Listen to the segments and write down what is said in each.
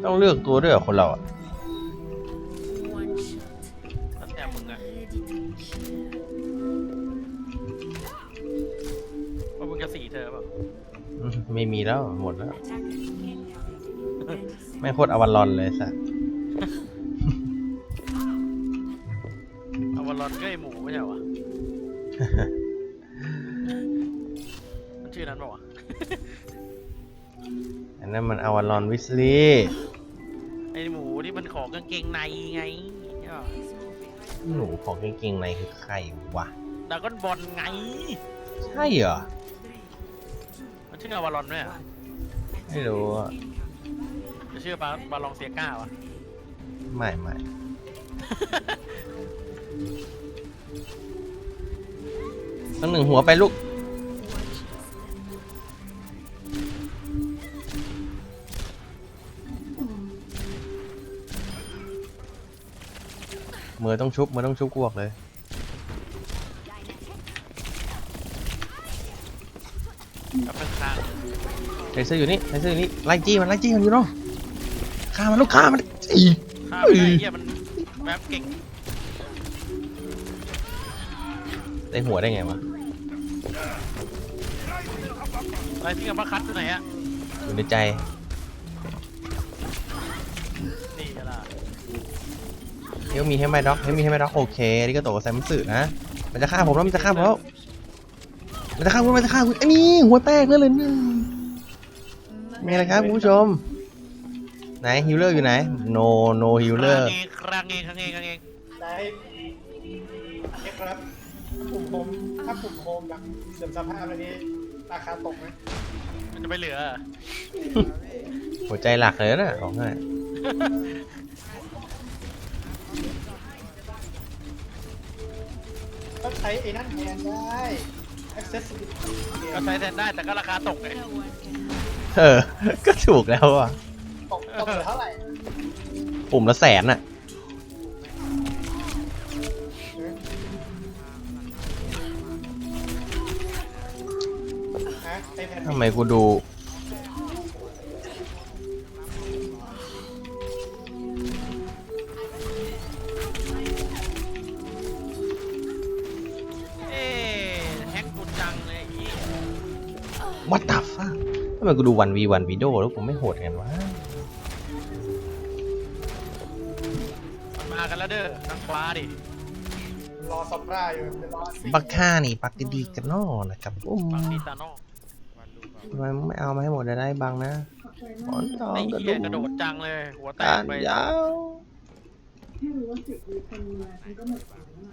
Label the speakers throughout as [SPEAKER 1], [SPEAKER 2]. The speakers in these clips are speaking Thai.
[SPEAKER 1] ต้องเลือกตัวด้วยเหรอคนเราอ่ะ
[SPEAKER 2] แล้วแต่มึงอะว่ามึงจะสีเธอเปล่า
[SPEAKER 1] ไม่มีแล้วหมดแล้วไม่โคตรอวารอนเลยสัส
[SPEAKER 2] เอาวอลลอนก็ไอหมูไม่ใช่เหรอวะ มันชื่อนั้นเปล่าวะ
[SPEAKER 1] อันนั้นมันอวารอนวิสลีย์
[SPEAKER 2] ไอหมูที่มันขอกางเกงในไงใช่ป่ะ
[SPEAKER 1] หนูของเก่งๆในคือใครวะ
[SPEAKER 2] ดราก้อนบอลไง
[SPEAKER 1] ใช่เหรอ
[SPEAKER 2] มันชื่ออวอลลอนไหมอะ
[SPEAKER 1] ไม่รู้อะ
[SPEAKER 2] จะชื่อบาลองเซียก้าวะ
[SPEAKER 1] ไม่ต้องหนึ่งหัวไปลูกมือต้องชุบกวกเลย
[SPEAKER 2] กับเป็นข้าง
[SPEAKER 1] ไทเซอร์อยู่นี่ไล่จี้มันอยู่เนาะฆ่ามันลูกฆ่ามันอี
[SPEAKER 2] ข้ามไม่ได้เหี้ยมันแบบเก่ง
[SPEAKER 1] ได้หัวได้ไงวะ
[SPEAKER 2] อะไรที่กับมาคัดอยู่ไหนอะ
[SPEAKER 1] อยู่ในใจ
[SPEAKER 2] นี่ก็ล่ะ
[SPEAKER 1] เฮลมีให้ไหมด็อกโอเคนี่ก็โตกับไซมันสึนะมันจะฆ่าผมแล้วมันจะฆ่าคุณไอ้นี่หัวแตกเลยนี่มีอะไรครับคุณผู้ชมไหนฮิลเลอร์อยู่ไหนโนฮิลเลอร์
[SPEAKER 2] ครั้งเอง
[SPEAKER 3] ได้ครับปุ่มโฮมถ้าปุ่มโฮมแบบเสื่อมสภาพอันนี้ราคาตกไหม
[SPEAKER 2] มันจะไม่เหลือ
[SPEAKER 1] หัวใจหลักเลยนะบอกให้
[SPEAKER 3] ก็ใช้ไอ้นั่นแทนได้ accessibility
[SPEAKER 2] ก็ใช้แทนได้แต่ก็ราคาตกไง
[SPEAKER 1] ก็ถูกแล้วอ่ะ
[SPEAKER 3] ตกเหลือเท่าไหร่
[SPEAKER 1] ปุ่มละ100,000อ่ะ
[SPEAKER 3] ฮะไอ้แพน
[SPEAKER 1] ทำไมกูดู
[SPEAKER 2] แฮกกูจังเลยอี
[SPEAKER 1] What the fuck ทำไมกูดู1v1วิดีโอแล้วกูไม่โหดกันวะ
[SPEAKER 2] มันมากันแล้วเด้อทางขวาดิ
[SPEAKER 3] รอซับราอยู่เดี๋ยวรอสิ
[SPEAKER 1] บักค่านี่ปักดีกันนอนะครับอุ้ม
[SPEAKER 2] บางทีตาโน่
[SPEAKER 1] ทำไมไม่เอามาให้หมดได้บ้างนะหมอนทอง
[SPEAKER 2] ไอ้
[SPEAKER 1] กระ
[SPEAKER 2] เหี้
[SPEAKER 1] ดู
[SPEAKER 2] ย
[SPEAKER 1] ก
[SPEAKER 2] กระโดดจังเลยหัวแต
[SPEAKER 1] กาก ร
[SPEAKER 2] ไป
[SPEAKER 1] ยาว
[SPEAKER 4] ไม่รู้ว่า10 วิคนมาฉันก็หมดแล้วอะ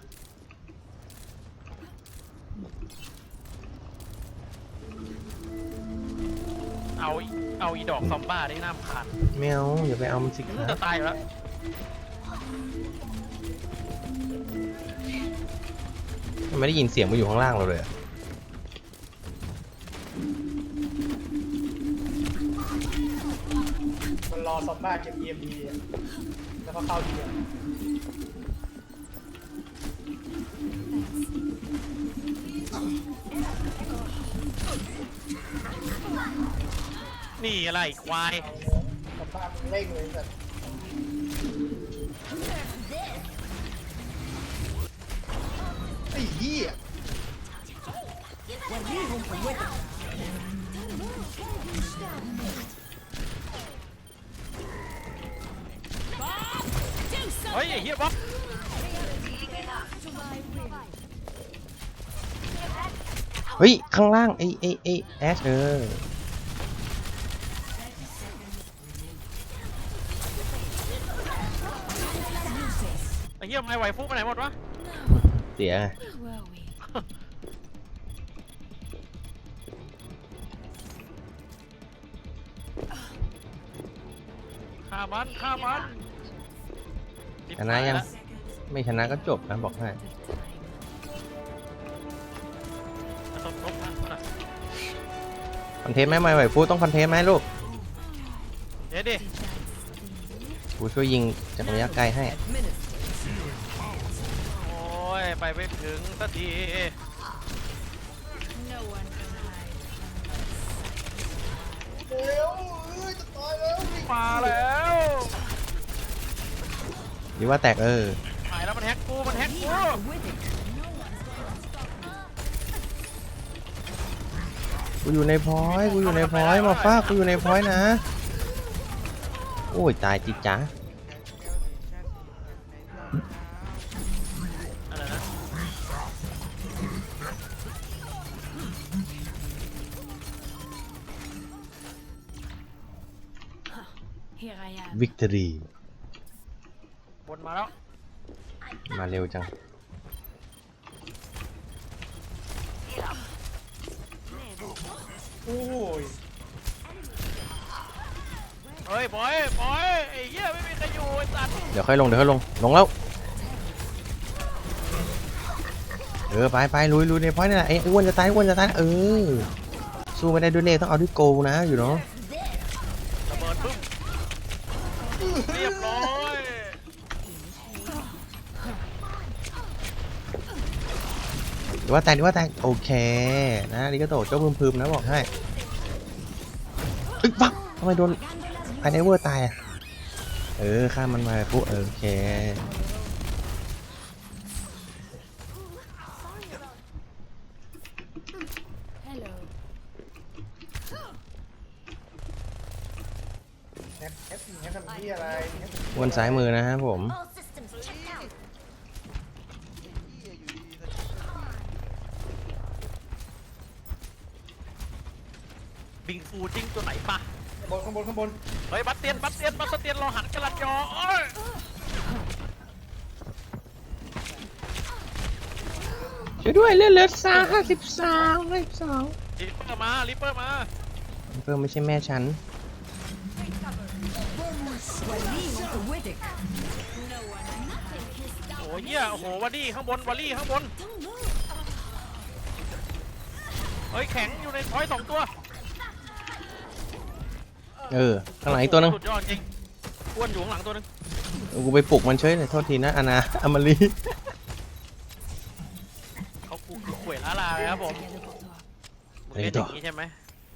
[SPEAKER 2] เอาอีดอกซอมบ้าได้น้ำขาด
[SPEAKER 1] แมวอย่าไปเอามันสิค
[SPEAKER 2] จะ
[SPEAKER 1] รับ
[SPEAKER 2] ตายอยู่แล้ว
[SPEAKER 1] ไม่ได้ยินเสียงมันอยู่ข้างล่างเราเลยอะ
[SPEAKER 3] มันรอซับราเก็บ EMP อะแล้วก็เข้าทีเดียว
[SPEAKER 2] นี่อะไรควาย
[SPEAKER 3] ซับรามันเร่งเลยแต่ไอ้เหี้ย
[SPEAKER 2] เฮ้ยไอ้เหี้ยบ๊อบ
[SPEAKER 1] เฮ้ยข้างล่างไอ้แอช
[SPEAKER 2] ไอ้เหี้ยไม่ไหวฟุกไปไหนหมดวะ
[SPEAKER 1] เสียไง
[SPEAKER 2] ฆ่ามัน
[SPEAKER 1] ชนะยังไม่ชนะก็จบนะบอกให้
[SPEAKER 2] ตบนะ
[SPEAKER 1] คอนเทนต์ไหมไม่ไหวฟูต้องคอนเทนต์ไหมลูก
[SPEAKER 2] เดี๋ยวดิ
[SPEAKER 1] กูช่วยยิงจากระยะไกลให้
[SPEAKER 2] โอ้ยไปไม่ถึงสักที
[SPEAKER 3] เร็วจะตายแล้ว
[SPEAKER 2] มาแล้ว
[SPEAKER 1] หรือว่าแตก
[SPEAKER 2] หายแล้วมันแฮกกูมันแฮกกู
[SPEAKER 1] กูอยู่ในพอยต์กูอยู่ในพอยต์มาฟ้ากูอยู่ในพอยต์นะโอ้ยตายจิจ๋า
[SPEAKER 2] อะไรนะ
[SPEAKER 1] วิกตอรี
[SPEAKER 2] บนมาแล้ว
[SPEAKER 1] มาเร็วจัง
[SPEAKER 3] โอ้ย
[SPEAKER 2] เฮ้ยปล่อยไอ้เหี้ยไม่มีใครอยู่ไอ้สัตว์
[SPEAKER 1] เดี๋ยวค่อยลงลงแล้วไปลุยในพอยต์นี่แหละไอ้อ้วนจะตายสู้ไม่ได้ด้วยเน่ต้องเอาด้วยโกนะอยู่เนาะ
[SPEAKER 2] ระเบิดปึ้มเรียบร้อย
[SPEAKER 1] หรือว่าแตกโอเคนะนี่ก็โตเจ้าพึมๆนะบอกให้อึ๊บปั๊บทำไมโดนไอเนเวอร์ตายอ่ะข้ามมันมาปุ๊บโอเค
[SPEAKER 3] แฮปทำที่อะไรแฮป
[SPEAKER 1] อ้วนซ้ายมือนะครับผม
[SPEAKER 2] บิงฟูจิ้งตัวไหนปะ
[SPEAKER 3] ข้างบน
[SPEAKER 2] เฮ้ยบัสเตียนรอหันกระลัดยอเอ้ย
[SPEAKER 1] ช่วยด้วยเลือด52
[SPEAKER 2] ลิปเปอร์มา
[SPEAKER 1] เพิ่มไม่ใช่แม่ฉัน
[SPEAKER 2] โอ้ยเหี้ยโอ้โหวอลลี่ข้างบนเฮ้ยแข็งอยู่ในพอยต์2 ตัว
[SPEAKER 1] ข้างหลังอีกตัวนึง
[SPEAKER 2] สุดยอดจริงอ้วนอยู่ข้างหลังตัวนึง
[SPEAKER 1] กูไปปลุกมันเฉยเลยโทษทีนะอาณาอมรี
[SPEAKER 2] เขากูคือขวยล้าลาเลยครับผมมึงเล่นอย่างนี้ใช่ไหม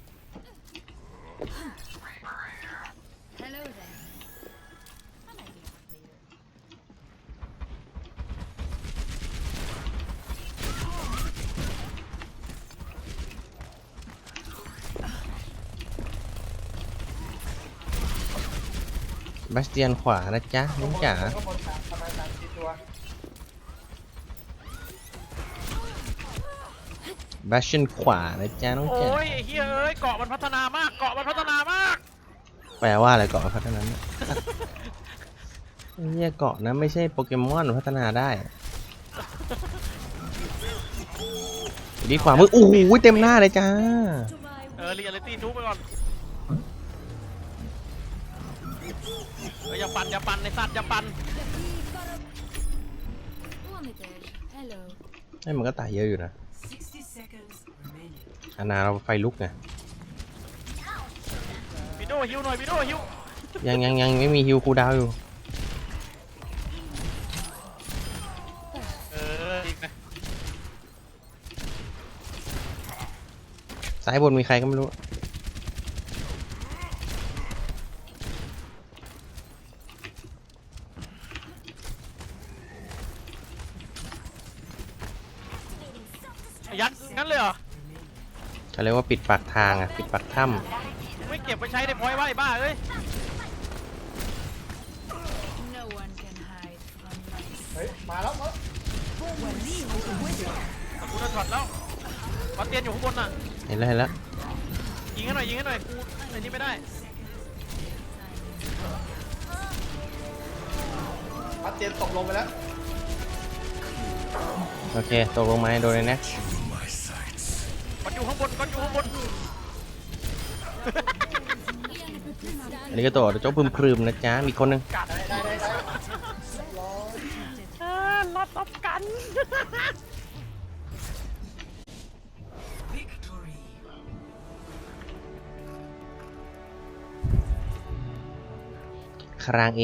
[SPEAKER 1] บาสเตียนขวานะจ๊ะน้องจ๋า
[SPEAKER 3] ข้างบนประมาณ3-4 ตัว
[SPEAKER 1] บาสเตียนขวานะจ๊ะน้องจ๋า
[SPEAKER 2] โอ้ยไอ้เหี้ยเอ้ยเกาะมันพัฒนามาก
[SPEAKER 1] แปลว่าอะไรเกาะพัฒนาเนี่ยไอ้เหี้ยเกาะนะไม่ใช่โปเกมอนพัฒนาได้ดีขวามือโอ้โหเต็มหน้าเลยจ้า
[SPEAKER 2] เรียลลิตี้ทุบไปก่อนอย่าปั่นในสัตว์อย่าปั่น
[SPEAKER 1] ให้มันก็ตายเยอะอยู่นะอาณาเราไฟลุกไง
[SPEAKER 2] วิโดฮิวหน่อยวิโดฮิว
[SPEAKER 1] ยังไม่มีฮิวคูลดาวน์อยู่
[SPEAKER 2] อีกนะ
[SPEAKER 1] ซ้ายบนมีใครก็ไม่รู้
[SPEAKER 2] ยัดงั้นเลยเหรอ
[SPEAKER 1] เขาเรียกว่าปิดปากทางอ่ะปิดปากถ้
[SPEAKER 2] ไม่เก็บไปใช้ในพอยต์ไว้บ้าเอ้ย
[SPEAKER 3] เฮ้ยมาแล้ว
[SPEAKER 2] กูโดนช็อตแล้วบัสเตียนอยู่ข้างบนน่ะ
[SPEAKER 1] ำเห็นแล้ว
[SPEAKER 2] ยิงให้หน่อยกูไอ้นี่ไม่ได้
[SPEAKER 3] พัดเจนตกลงไปแล้ว
[SPEAKER 1] โอเคตกลงมาโดนเลยนะ
[SPEAKER 2] มันอยู่ข้างบน
[SPEAKER 1] อันนี้ก็ตัวเจ้าพึมพรึมนะจ๊ะมีคนหนึง
[SPEAKER 3] ได้
[SPEAKER 2] รอดตบกัน
[SPEAKER 1] คราง